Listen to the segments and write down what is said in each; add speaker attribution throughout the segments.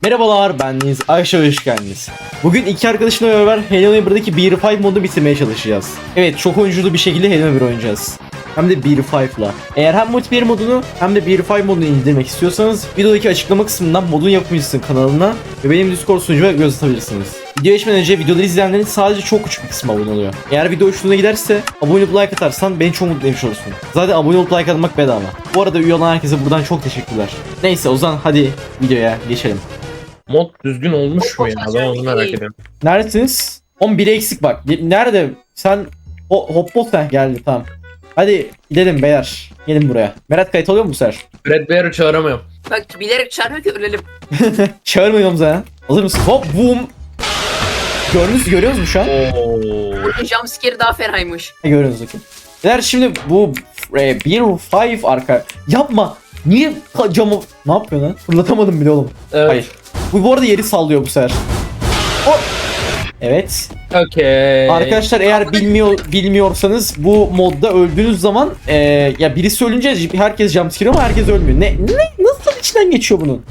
Speaker 1: Merhabalar, ben Deniz. Ayşe, hoş geldiniz. Bugün iki arkadaşımla beraber Halo Neighbor'daki 1.5 modu bitirmeye çalışacağız. Evet, çok oyunculu bir şekilde Halo Neighbor oynayacağız. Hem de 1.5'la. Eğer hem multiplayer modunu hem de 1.5 modunu indirmek istiyorsanız videodaki açıklama kısmından modun yapımcısının kanalına ve benim Discord sunucuma göz atabilirsiniz. Video geçmeden önce videoları izleyenlerin sadece çok küçük bir kısmı abone oluyor. Eğer video hoşuna giderse abone olup like atarsan beni çok mutlu etmiş olursun. Zaten abone olup like atmak bedava. Bu arada üye olan herkese buradan çok teşekkürler. Neyse o zaman hadi videoya geçelim.
Speaker 2: Mod düzgün olmuş mu ya? Ben onu merak ediyorum.
Speaker 1: Neredesiniz? 11 eksik bak. Nerede? Sen hop geldi tamam. Hadi gidelim beyler. Gelin buraya. Berat kayıt oluyor mu bu sefer?
Speaker 2: Red Bear'ı çağıramıyorum.
Speaker 3: Bak bilerek çağırmıyor ki ölelim.
Speaker 1: Çağırmıyorum zaten. Hazır mısın? Hop boom. Görüyorsunuz mu şu an?
Speaker 3: Burada jumpscare daha fenaymış.
Speaker 1: Görüyorsunuz bakayım. Beyler şimdi bu 1.5 arka. Yapma. Niye camı... Ne yapıyor lan? Fırlatamadım bile oğlum.
Speaker 2: Evet.
Speaker 1: Hayır. Bu arada yeri sallıyor bu sefer. Hop. Evet.
Speaker 2: Okey.
Speaker 1: Arkadaşlar eğer bilmiyorsanız bu modda öldüğünüz zaman ya birisi ölünce herkes jumpscare ama herkes ölmüyor. Ne nasıl içinden geçiyor bunun?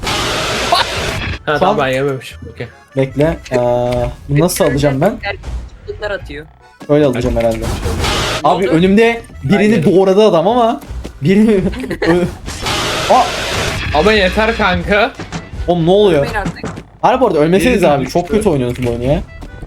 Speaker 2: Ha tamam ben yememişim. Okey.
Speaker 1: Bekle. Bunu nasıl alacağım ben?
Speaker 3: Çocuklar atıyor.
Speaker 1: Öyle alacağım herhalde.
Speaker 3: Ne
Speaker 1: Abi
Speaker 3: oldu?
Speaker 1: önümde birini
Speaker 2: Aynen.
Speaker 1: doğradı adam ama birini Aa,
Speaker 2: Ama yeter kanka.
Speaker 1: oğlum ne oluyor?
Speaker 3: Ben artık.
Speaker 1: Harbi bu arada ölmeseniz
Speaker 2: Birini
Speaker 1: abi çok
Speaker 2: düştü.
Speaker 1: kötü oynuyorsunuz bu oyunu ya.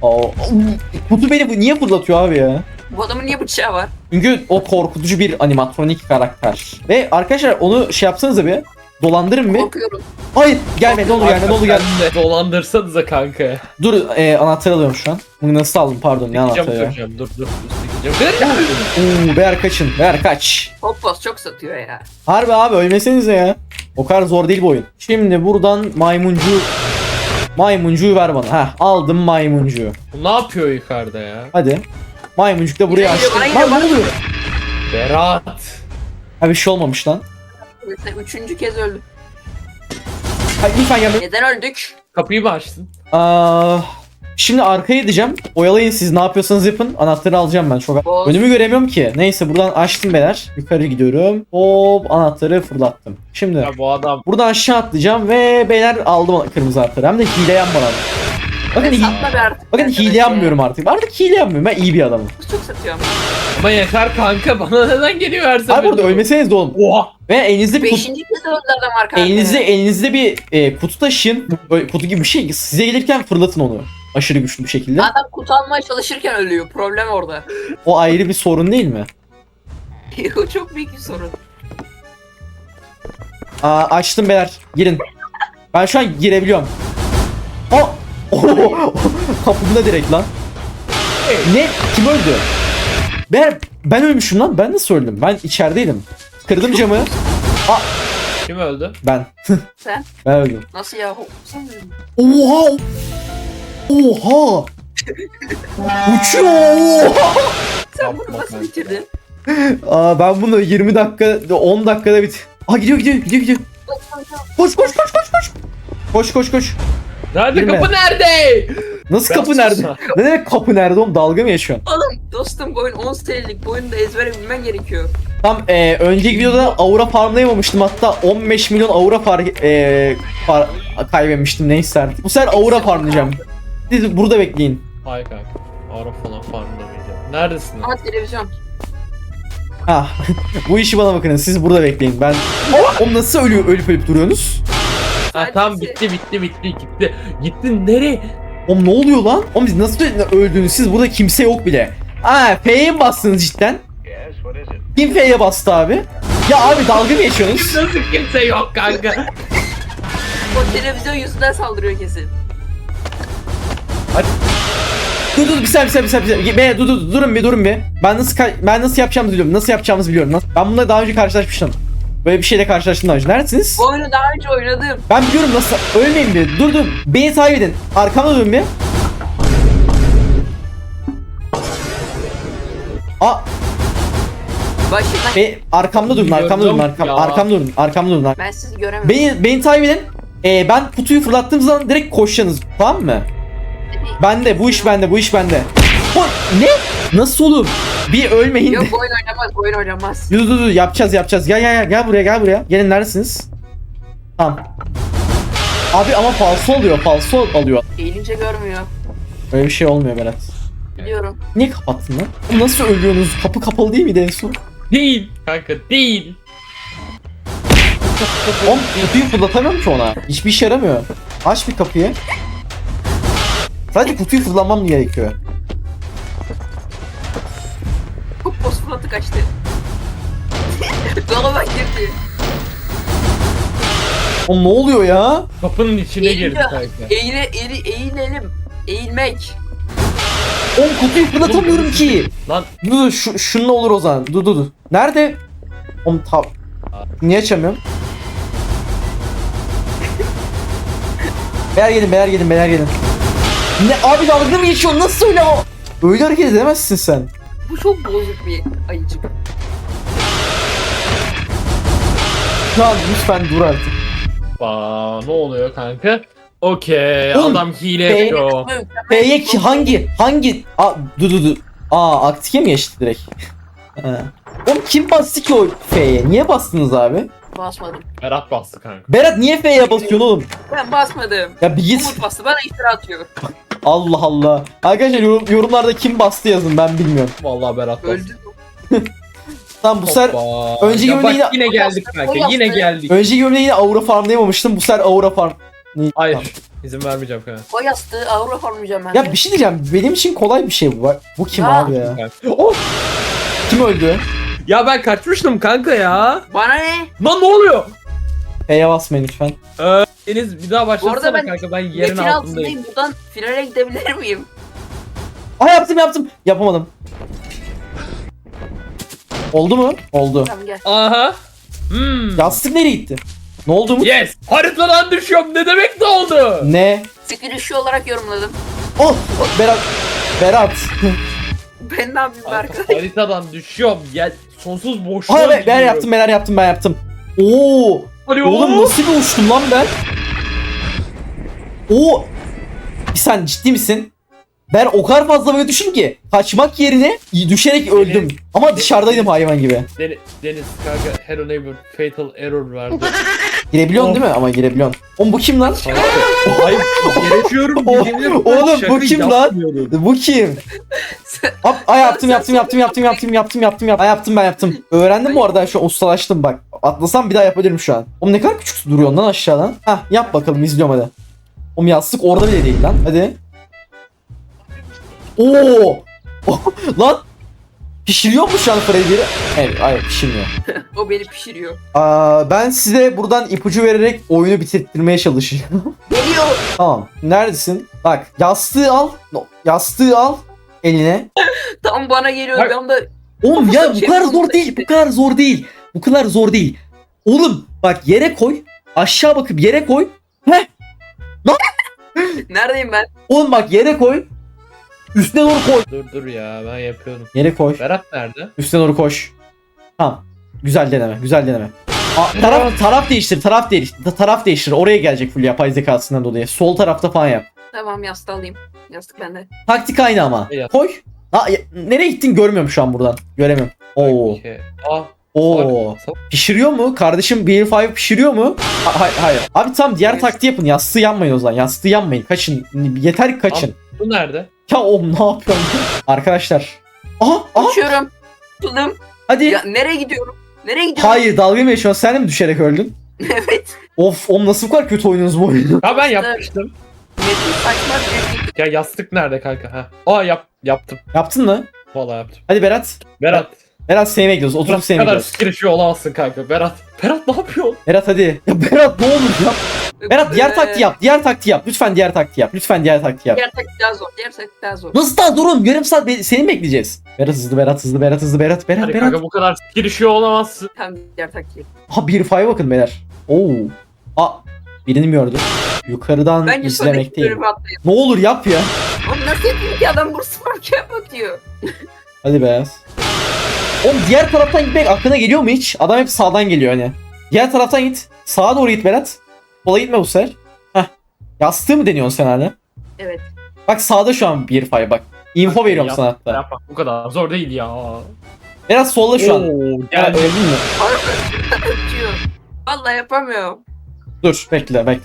Speaker 1: Kutu beni niye fırlatıyor abi ya?
Speaker 3: Bu adamın niye bıçağı var?
Speaker 1: Çünkü o korkutucu bir animatronik karakter. Ve arkadaşlar onu şey yapsanıza bir. Dolandırın bir.
Speaker 3: Korkuyorum.
Speaker 1: Hayır gelme ne olur gelme ne olur gelme.
Speaker 2: Sen de dolandırsanıza kanka.
Speaker 1: Dur anahtarı alıyorum şu an. Bunu nasıl aldım pardon ne anahtarı ya.
Speaker 2: Sikeceğim dur. Sikeceğim.
Speaker 1: Beyler kaçın. Beyler kaç.
Speaker 3: Hoppos çok satıyor ya.
Speaker 1: Harbi abi ölmesenize ya. O kadar zor değil bu oyun. Şimdi buradan maymuncuyu ver bana. Heh aldım maymuncuyu.
Speaker 2: Bu ne yapıyor yukarıda ya?
Speaker 1: Hadi. Maymuncuk da buraya
Speaker 3: Yine
Speaker 1: açtım.
Speaker 3: geliyor,
Speaker 1: Lan
Speaker 3: bana
Speaker 1: ne oluyor?
Speaker 2: Berat.
Speaker 1: Ha bir şey olmamış lan.
Speaker 3: Mesela üçüncü kez öldüm.
Speaker 1: Hadi lütfen gelme.
Speaker 3: Neden öldük?
Speaker 2: Kapıyı mı açtın?
Speaker 1: Şimdi arkaya gideceğim. Oyalayın siz ne yapıyorsanız yapın. Anahtarı alacağım ben çok.
Speaker 3: Boz.
Speaker 1: Önümü göremiyorum ki. Neyse buradan açtım beyler. Yukarı gidiyorum. Hop anahtarı fırlattım. Şimdi
Speaker 2: Ya bu adam.
Speaker 1: buradan aşağı atlayacağım ve beyler aldım kırmızı anahtarı. Hem de hile yanmadan. Bakın,
Speaker 3: Satma be artık.
Speaker 1: bakın
Speaker 3: arkadaş
Speaker 1: hile
Speaker 3: ya.
Speaker 1: yanmıyorum artık. Artık hile yanmıyorum. Ben iyi bir adamım.
Speaker 3: Çok satıyor ama.
Speaker 2: Ama yeter kanka bana neden geliyor her seferinde?
Speaker 1: Abi burada ölmeseniz de oğlum.
Speaker 2: Oha.
Speaker 1: Ve elinizde bir kutu,
Speaker 3: Beşinci kez öldü adam arkadaşlar.
Speaker 1: elinizde bir kutu taşıyın. Böyle kutu gibi bir şey. Size gelirken fırlatın onu. Aşırı güçlü bir şekilde.
Speaker 3: Adam kutu almaya çalışırken ölüyor. Problem orada.
Speaker 1: O ayrı bir sorun değil mi?
Speaker 3: O çok büyük bir sorun.
Speaker 1: Açtım beyler. Girin. Ben şu an girebiliyorum. Kapımda direkt lan. Ne? Kim öldü? Ben ölmüşüm lan. Ben nasıl öldüm? Ben içerideydim. Kırdım camı.
Speaker 2: Kim öldü?
Speaker 1: Ben.
Speaker 3: Sen?
Speaker 1: Ben öldüm.
Speaker 3: Nasıl ya? Sen mi öldün?
Speaker 1: Oha! Oha! Uçuyor! Oha!
Speaker 3: Sen
Speaker 2: Yapma
Speaker 3: bunu nasıl
Speaker 2: kanka.
Speaker 3: bitirdin?
Speaker 1: Ben bunu 20 dakika, 10 dakikada gidiyor. Koş. Koş.
Speaker 2: Nerede
Speaker 1: Girme.
Speaker 2: kapı nerede?
Speaker 1: Nasıl
Speaker 2: Ben
Speaker 1: kapı nerede?
Speaker 2: susam.
Speaker 1: Ne demek kapı nerede oğlum? Dalga mı yaşıyorsun?
Speaker 3: Oğlum dostum bu oyun 10 senelik. Bu oyunu da ezbere bilmen gerekiyor.
Speaker 1: Tam önceki videoda aura farmlayamamıştım. Hatta 15 milyon aura kaybetmiştim neyse artık. Bu sefer aura farmlayacağım. Siz burada bekleyin.
Speaker 2: Hayır kanka. Ara falan farmlamayacağım. Neredesin lan?
Speaker 3: Ama televizyon.
Speaker 1: Ha. Bu işi bana bakın. Siz burada bekleyin. Ben oğlum nasıl ölüp duruyorsunuz?
Speaker 2: Ha tamam bitti. Gittin nereye?
Speaker 1: Oğlum ne oluyor lan? Oğlum biz nasıl öldünüz? Siz burada kimse yok bile. F'ye mi bastınız cidden? Kim F'ye bastı abi? Ya abi dalga mı geçiyorsunuz?
Speaker 2: Nasıl kimse yok kanka?
Speaker 3: O televizyon yüzünden saldırıyor kesin.
Speaker 1: Dur bir saniye. Durun bir. Ben nasıl yapacağımızı biliyorum. Ben bununla daha önce karşılaşmıştım. Böyle bir şeyle karşılaştım daha önce. Neredesiniz?
Speaker 3: Bu oyunu daha önce oynadım.
Speaker 1: Ben biliyorum nasıl. Ölmeyin bir. Dur. Beni takip edin. Arkamda durun bir.
Speaker 3: Başından
Speaker 1: Arkamda durun. Arkamda durun.
Speaker 3: ben sizi göremiyorum.
Speaker 1: Beni takip edin. Ben kutuyu fırlattığım zaman direkt koşacaksınız. Tamam mı? Bende. Bu iş bende. Ne? Nasıl oğlum? Bir ölmeyin de.
Speaker 3: Yok bu oyun oynamaz.
Speaker 1: Dur yapacağız. Gel buraya. Gelin neredesiniz? Tamam. Abi ama falso oluyor, falso alıyor.
Speaker 3: Eğilince görmüyor.
Speaker 1: Öyle bir şey olmuyor Berat.
Speaker 3: Biliyorum.
Speaker 1: Niye kapattın lan? Oğlum nasıl ölüyorsunuz? Kapı kapalı değil miydi en son?
Speaker 2: Değil. Kanka değil.
Speaker 1: Oğlum kutuyu fırlatamıyorum ki ona. Hiçbir işe yaramıyor. Aç bir kapıyı. Sadece kutuyu fırlamam gerekiyor.
Speaker 3: Hop boss fırlattı kaçtı. Dolaba girdi.
Speaker 1: Oğlum ne oluyor ya?
Speaker 2: Kapının içine girdi
Speaker 3: Eğiliyor.
Speaker 2: kanka.
Speaker 3: Eğilelim. Eğilmek.
Speaker 1: Oğlum kutuyu fırlatamıyorum ki.
Speaker 2: Lan
Speaker 1: Dur şununla olur o zaman. Dur. Nerede? Oğlum niye açamıyorum? Beyler gelin. Ne abi dalga mı geçiyorsun? Nasıl öyle o? Öyle hareket edemezsin sen.
Speaker 3: Bu çok bozuk bir ayıcık.
Speaker 1: Lan lütfen dur artık.
Speaker 2: ne oluyor kanka? Okey,
Speaker 1: Oğlum,
Speaker 2: adam hile
Speaker 1: be-
Speaker 2: yapıyor.
Speaker 1: F'ye hangi? Dur. Aktike mi geçti direkt? Ha. Oğlum kim bastı ki o F'ye? Niye bastınız abi?
Speaker 3: Basmadım.
Speaker 2: Berat bastı kanka.
Speaker 1: Berat niye F'ye basıyorsun oğlum?
Speaker 3: Ben basmadım.
Speaker 1: Ya bir git.
Speaker 3: Umut bastı. Bana iftira atıyor.
Speaker 1: Allah Allah. Arkadaşlar yorumlarda kim bastı yazın, ben bilmiyorum.
Speaker 2: Vallahi Berat bastı.
Speaker 3: Öldü.
Speaker 1: Tamam bu sefer
Speaker 2: Hoppa.
Speaker 1: önceki
Speaker 2: Ya bak,
Speaker 1: bölümde
Speaker 2: yine geldik kanka.
Speaker 3: O
Speaker 2: Yine
Speaker 3: yaptı.
Speaker 2: geldik.
Speaker 1: önceki bölümde yine aura farmlayamamıştım. Bu sefer aura farm.
Speaker 2: Hayır.
Speaker 1: Tamam.
Speaker 2: İzin vermeyeceğim kanka.
Speaker 3: O yastığı avro formayacağım ben.
Speaker 1: Ya bir şey diyeceğim. Benim için kolay bir şey bu. Bu kim
Speaker 3: Ya.
Speaker 1: abi ya?
Speaker 2: Of.
Speaker 1: Kim öldü?
Speaker 2: Ya ben kaçmıştım kanka ya.
Speaker 3: Bana ne?
Speaker 2: Lan ne oluyor?
Speaker 1: F'ye basmayın lütfen.
Speaker 2: Deniz bir daha
Speaker 3: Bu arada
Speaker 2: başlatsana
Speaker 3: ben
Speaker 2: kanka, ben yerin
Speaker 3: yerin
Speaker 2: altındayım.
Speaker 3: altındayım. Buradan finale gidebilir miyim?
Speaker 1: Yaptım. Yapamadım. Oldu mu? Oldu.
Speaker 3: Tamam gel.
Speaker 2: Aha.
Speaker 1: Yastık nereye gitti? Ne oldu mu?
Speaker 2: Yes. Haritadan düşüyorum. Ne demek ne oldu?
Speaker 1: Ne?
Speaker 3: Screenshot olarak yorumladım.
Speaker 1: Oh! Berat.
Speaker 3: Ben ne yapayım
Speaker 2: Kanka,
Speaker 3: arkadaş?
Speaker 2: haritadan düşüyorum. Ya sonsuz boşluğa
Speaker 1: Hayır ben
Speaker 2: gidiyorum.
Speaker 1: yaptım. Oo!
Speaker 2: Alo.
Speaker 1: Oğlum nasıl bir uçtum lan ben? Oo! Sen ciddi misin? Ben o kadar fazla böyle düştüm ki kaçmak yerine düşerek öldüm. Ama dışarıdaydım hayvan gibi.
Speaker 2: Deniz kanka, Hello Neighbor fatal error verdi.
Speaker 1: Girebiliyorsun değil mi? Ama girebiliyorsun. Oğlum bu kim lan?
Speaker 2: Hayır, gerekiyorum.
Speaker 1: Oğlum, bu kim lan? Bu kim? Yaptım. Öğrendim bu arada, şu an ustalaştım bak. Atlasam bir daha yapabilirim şu an. Oğlum ne kadar küçük duruyorsun lan aşağıdan. Hah yap bakalım, izliyorum hadi. Oğlum yastık orada bile değil lan. Hadi. Oo! Lan! Pişiriyor mu şu an Freddy'leri? Evet, hayır pişirmiyor.
Speaker 3: O beni pişiriyor.
Speaker 1: Ben size buradan ipucu vererek oyunu bitirtmeye çalışacağım.
Speaker 3: Geliyor.
Speaker 1: Tamam. Neredesin? Bak yastığı al. Yastığı al eline.
Speaker 3: Tam bana geliyor.
Speaker 2: Bak.
Speaker 3: Tam da
Speaker 1: Oğlum ya bu
Speaker 3: Şey
Speaker 1: kadar
Speaker 3: yapalım
Speaker 1: zor
Speaker 3: da
Speaker 1: değil.
Speaker 3: işte.
Speaker 1: Bu kadar zor değil. Oğlum bak yere koy. Aşağı bakıp yere koy.
Speaker 3: neredeyim ben?
Speaker 1: Oğlum bak yere koy. Üstüne doğru koy.
Speaker 2: Dur ya, ben yapıyordum.
Speaker 1: Yere koy.
Speaker 2: Berat nerede?
Speaker 1: Üstüne doğru koş. Tamam. Güzel deneme. Taraf değiştir. Oraya gelecek full yapay zekasından dolayı. Sol tarafta falan yap.
Speaker 3: Tamam yastığı alayım. Yastık bende.
Speaker 1: Taktik aynı ama.
Speaker 2: Evet.
Speaker 1: Koy. Nereye gittin görmüyorum şu an buradan. Göremiyorum. Oo.
Speaker 2: Okey. Aa.
Speaker 1: Oo. Pişiriyor mu? Kardeşim BL5 pişiriyor mu? Hayır. Abi tamam, diğer
Speaker 3: Evet.
Speaker 1: taktiği yapın. Yastığı yanmayın o zaman. Yastığı yanmayın. Kaçın. Yeter ki kaçın.
Speaker 2: Bu nerede?
Speaker 1: Ya oğlum ne yapıyorsun? Arkadaşlar. Aha.
Speaker 3: Uçuyorum. Tuttum.
Speaker 1: Hadi.
Speaker 3: Ya nereye gidiyorum? Nereye gidiyorum?
Speaker 1: Hayır, dalga mı geçiyorsun? Sen de mi düşerek öldün?
Speaker 3: Evet.
Speaker 1: Of, oğlum nasıl bu kadar kötü oynuyorsunuz bu oyunu?
Speaker 2: Ha, ben yapmıştım.
Speaker 3: Metin saçma bir
Speaker 2: Ya yastık nerede kanka? Ha. Yaptım.
Speaker 1: Yaptın mı?
Speaker 2: Vallahi yaptım.
Speaker 1: Hadi Berat.
Speaker 2: Berat.
Speaker 1: Berat seni bekliyoruz. Oturup
Speaker 2: Bu
Speaker 1: seni
Speaker 2: kadar
Speaker 1: bekliyoruz.
Speaker 2: skirişi olamazsın kanka. Berat ne yapıyorsun?
Speaker 1: Berat hadi. Ya Berat ne olur yap. Berat diğer taktiği yap. Lütfen diğer taktiği yap.
Speaker 3: Diğer taktik daha zor. Diğer taktik daha zor.
Speaker 1: Nasıl daha durun? Yarım saat seni mi bekleyeceğiz? Berat hızlı.
Speaker 2: Hadi kanka, bu kadar skirişi olamazsın.
Speaker 3: Tamam diğer taktiği.
Speaker 1: Ha, bir fay bakın beyler. Oo. Birini mi gördüm? Yukarıdan
Speaker 3: Bence sonraki
Speaker 1: izlemekteyim.
Speaker 3: bölümü atlayalım.
Speaker 1: Ne olur yap ya.
Speaker 3: Oğlum nasıl yapayım ki adam burası fark bakıyor.
Speaker 1: Hadi beyaz. Oğlum diğer taraftan gitmek aklına geliyor mu hiç? Adam hep sağdan geliyor hani. Diğer taraftan git. Sağa doğru git Berat. Sola gitme bu sefer. Heh. Yastığı mı deniyorsun sen hala?
Speaker 3: Evet.
Speaker 1: Bak sağda şu an bir fay bak. Info
Speaker 2: Okey,
Speaker 1: veriyorum
Speaker 2: yap,
Speaker 1: sana hatta.
Speaker 2: Yapma, bu kadar zor değil ya.
Speaker 1: Berat solda şu an.
Speaker 2: Oo,
Speaker 1: Ya,
Speaker 2: geldi.
Speaker 1: öldün mü?
Speaker 3: Ötüyor. Vallahi yapamıyorum.
Speaker 1: Dur bekle.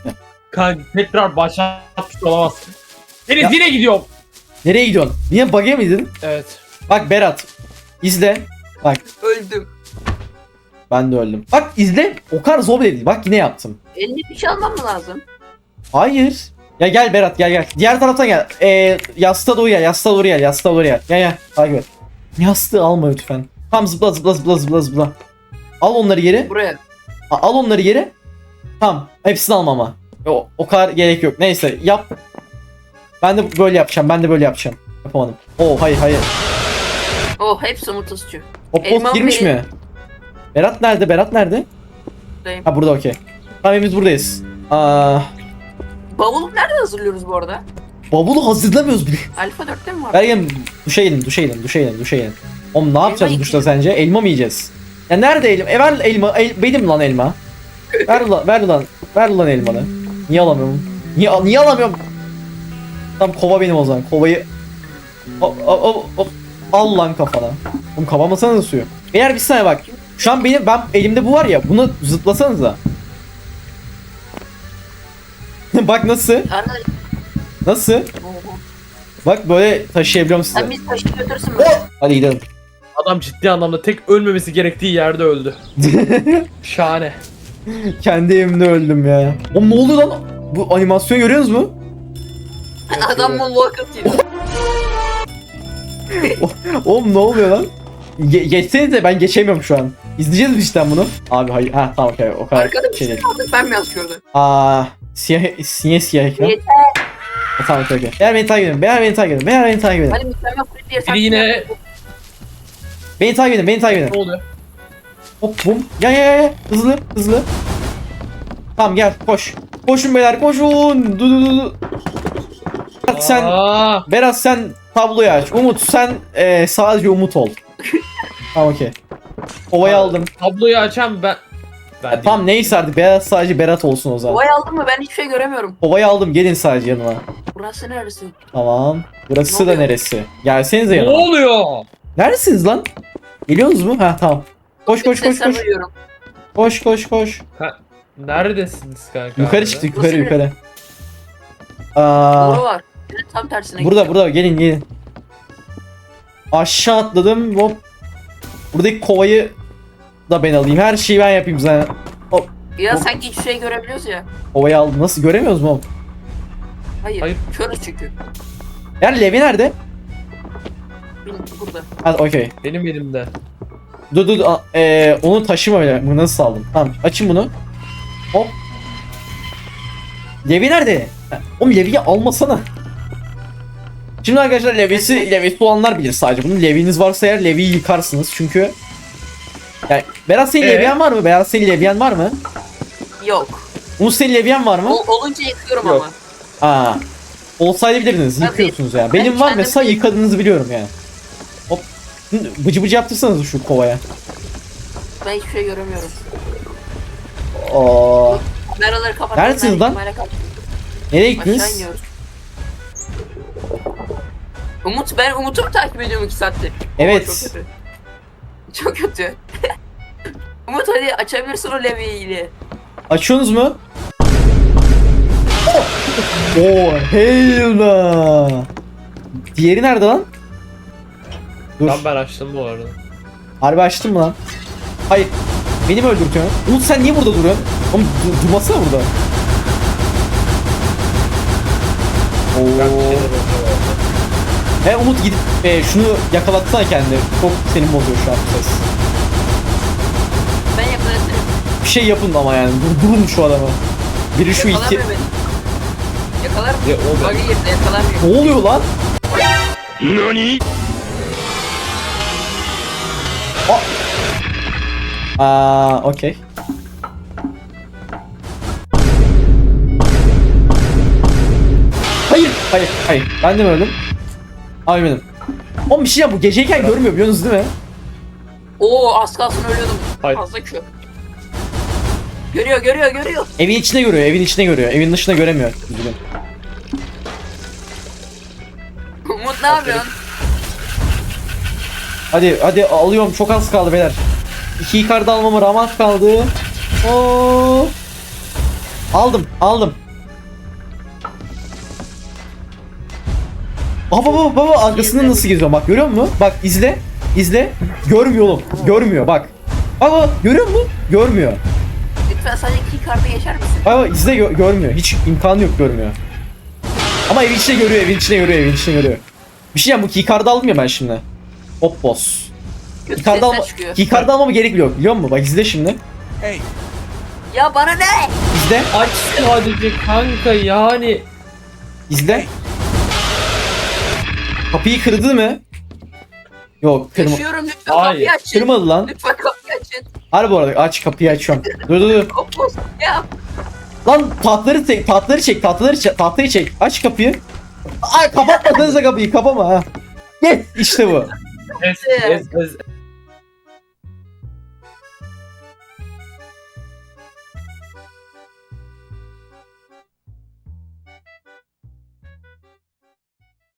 Speaker 2: Kanka tekrar başlatmış olamazsın. Deniz
Speaker 1: Ya-
Speaker 2: yine gidiyorum.
Speaker 1: Nereye gidiyorsun? Yine bug'e miydin?
Speaker 2: Evet.
Speaker 1: Bak Berat. İzle. Bak
Speaker 3: Öldüm.
Speaker 1: ben de öldüm. Bak izle. O kadar zor değil. Bak yine yaptım.
Speaker 3: Eline bir şey almam mı lazım?
Speaker 1: Hayır. Ya gel Berat gel. Diğer taraftan gel. Yastığa doğru gel. Yastığa doğru gel. Yastığa doğru gel. Gel. Takip et. Yastığı alma lütfen. Tamam zıpla. Al onları geri.
Speaker 3: Buraya.
Speaker 1: Al onları geri. Tamam. Hepsini alma ama. O kadar gerek yok. Neyse yap. Ben de böyle yapacağım. Yapamadım. Hayır.
Speaker 3: Oh hepsi Umut'un suçu.
Speaker 1: Hop
Speaker 3: Elmam
Speaker 1: girmiş
Speaker 3: benim.
Speaker 1: mi? Berat nerede?
Speaker 3: Buradayım.
Speaker 1: Ha burada okey. Tamam biz buradayız.
Speaker 3: Bavulu nerede hazırlıyoruz bu arada?
Speaker 1: Bavulu hazırlamıyoruz bile.
Speaker 3: Alfa 4'te mi var?
Speaker 1: Bergen duşa gidelim. Oğlum ne yapacağız
Speaker 3: Elma
Speaker 1: duşta sence? Elma mı yiyeceğiz? Ya nerede elma? Ver elma. Benim lan elma. Ver lan elmanı. Niye alamıyorum? Niye alamıyorum? Tamam kova benim o zaman. Kovayı al lan kafana. Oğlum kapamasana suyu. Eğer bir saniye bak. Şu an ben elimde bu var ya. Bunu zıplasanıza. Bak nasıl?
Speaker 3: Arada...
Speaker 1: Nasıl?
Speaker 3: Oho.
Speaker 1: Bak böyle taşıyabiliyorum size.
Speaker 3: Sen bizi taşıyıp götürsün mü?
Speaker 1: Hadi gidelim.
Speaker 2: Adam ciddi anlamda tek ölmemesi gerektiği yerde öldü. Şahane.
Speaker 1: Kendi evimde öldüm ya. Oğlum ne oluyor lan? Bu animasyonu görüyorsunuz mu?
Speaker 3: Adam moonwalk atıyor.
Speaker 1: Oğlum ne oluyor lan? Geçsenize ben geçemiyorum şu an. İzleyeceğiz mi işte bunu? Abi hayır. Ha tamam okey. O kadar
Speaker 3: Arkada bir
Speaker 1: şey
Speaker 3: şey
Speaker 1: değil.
Speaker 3: aldık ben mi yazıyordum?
Speaker 1: Siyah ekran.
Speaker 3: Yeter.
Speaker 1: Tamam okey. Beyler beni takip edin.
Speaker 3: Hadi mükemmel kulüp diye
Speaker 2: Biri yine
Speaker 1: Beni takip edin.
Speaker 2: ne oluyor?
Speaker 1: Hop bum. Gel. Hızlı. Tamam gel koş. Koşun beyler koşun. Du. Berat sen tabloyu aç. Umut sen sadece Umut ol. Tamam okey. Kovayı aldım.
Speaker 2: Tabloyu açan ben. Ben
Speaker 1: Tamam neyse artık sadece Berat olsun o zaman.
Speaker 3: Kovayı aldın mı? Ben hiçbir şey göremiyorum.
Speaker 1: Kovayı aldım gelin sadece yanıma.
Speaker 3: Burası neresi?
Speaker 1: Tamam. Burası
Speaker 3: Ne
Speaker 1: da
Speaker 3: oluyor?
Speaker 1: neresi? Gelsenize
Speaker 2: ne
Speaker 1: yanıma.
Speaker 2: oluyor?
Speaker 1: Neredesiniz lan? Geliyorsunuz mu? Ha tamam. Koş.
Speaker 3: Sesler duyuyorum.
Speaker 1: Koş.
Speaker 2: Neredesiniz kanka?
Speaker 1: Yukarı çıktık
Speaker 3: Nasıl
Speaker 1: yukarı.
Speaker 3: Boru var. Tam tersine gidiyor.
Speaker 1: Burada gelin. Aşağı atladım hop. Buradaki kovayı da ben alayım. Her şeyi ben yapayım zaten.
Speaker 3: Ya sanki hiçbir şey görebiliyoruz ya.
Speaker 1: Kovayı aldım. Nasıl göremiyoruz mu oğlum?
Speaker 3: Hayır. Körüz çünkü.
Speaker 1: Yani Levi nerede?
Speaker 3: Burada.
Speaker 1: Hadi okey.
Speaker 2: Benim elimde.
Speaker 1: Dur. Onu taşıma öyle. Bunu nasıl aldım? Tamam açın bunu. Hop. Levi nerede? Oğlum Levi'yi almasana. Şimdi arkadaşlar Levi'si olanlar bilir sadece. Bunun Levi'niz varsa eğer Levi'yi yıkarsınız çünkü. Yani Berat senin Levi'yen var mı?
Speaker 3: Yok.
Speaker 1: Umut senin Levi'yen var mı?
Speaker 3: Olunca yıkıyorum
Speaker 2: Yok.
Speaker 3: ama.
Speaker 1: Olsaydı bilirdiniz.
Speaker 3: Ben
Speaker 1: Yıkıyorsunuz ya.
Speaker 3: ben
Speaker 1: Benim var
Speaker 3: kendim
Speaker 1: mesela
Speaker 3: değil.
Speaker 1: yıkadığınızı biliyorum yani. Hop. Bıcı yaptırsanız şu kovaya.
Speaker 3: Ben hiçbir şey göremiyorum.
Speaker 1: Oo.
Speaker 3: Kameraları kapatalım.
Speaker 1: Neredesiniz lan? Nereye gittiniz?
Speaker 3: Aşağı iniyoruz. Ben Umut'u mu takip ediyorum 2 saattir?
Speaker 1: Evet.
Speaker 3: Oo, çok kötü. Umut hadi açabilirsin o levyeyi.
Speaker 1: Açıyorsunuz mu? Oo, heyla. Diğeri nerede lan? Dur.
Speaker 2: Ben açtım bu arada.
Speaker 1: Harbi açtın mı lan? Hayır. Beni mi öldürtüyorsun? Umut sen niye burada duruyorsun? Oğlum durmasana burada.
Speaker 2: Ben bir
Speaker 1: Oo.
Speaker 2: şeyler oluyor.
Speaker 1: Umut gidip şunu yakalatsana kendini. Çok senin bozuyor şu an bu ses.
Speaker 3: Ben yakalarım.
Speaker 1: Bir şey yapın ama yani. Durun şu adamı. Biri şu iki...
Speaker 3: Yakalamıyor beni. Yakalar mı?
Speaker 2: Ya, o
Speaker 3: Bug'a girdi yakalamıyor.
Speaker 1: Ne oluyor lan? Okey. Hayır. Ben de mi öldüm? Abi benim. Oğlum bir şey ya bu geceyken görmüyor biliyorsunuz değil mi?
Speaker 3: Oo az kalsın ölüyordum.
Speaker 2: Hayır.
Speaker 3: Fazla kö. Görüyor.
Speaker 1: Evin içine görüyor. Evin dışına göremiyor. Üzgünüm.
Speaker 3: Umut ne yapıyorsun?
Speaker 1: Hadi alıyorum. Çok az kaldı beyler. 2 yukarıda almama ramak kaldı. Oo. Aldım. Aa baba arkasından nasıl geziyor bak görüyor musun? Bak izle. İzle. Görmüyor oğlum. Görmüyor bak. Baba görüyor musun? Görmüyor.
Speaker 3: Lütfen sadece keycard'ı geçer misin?
Speaker 1: Baba izle görmüyor. Hiç imkanı yok görmüyor. Ama evin içine görüyor, evin içine görüyor, evin içine görüyor. Bir şey ya bu keycard'ı aldım ya ben şimdi. Hop boss.
Speaker 3: Kötü
Speaker 1: Keycard'ı
Speaker 3: sesler
Speaker 1: alma,
Speaker 3: çıkıyor.
Speaker 1: keycard'ı almama gerek bile yok biliyor musun? Bak izle şimdi.
Speaker 3: Ya bana ne?
Speaker 1: İzle.
Speaker 2: Aç sadece kanka yani.
Speaker 1: İzle. Kapıyı kırdı mı? Yok
Speaker 3: Yaşıyorum lütfen
Speaker 2: Hayır,
Speaker 3: kapıyı açın.
Speaker 1: kırmadı lan.
Speaker 3: Lütfen kapıyı açın.
Speaker 1: Harbi bu arada aç kapıyı açıyorum. Dur.
Speaker 3: Opus ya.
Speaker 1: Lan tahtayı çek. Aç kapıyı. Ay kapatmadınız da kapıyı kapama ha. Gel işte bu.
Speaker 2: Ez.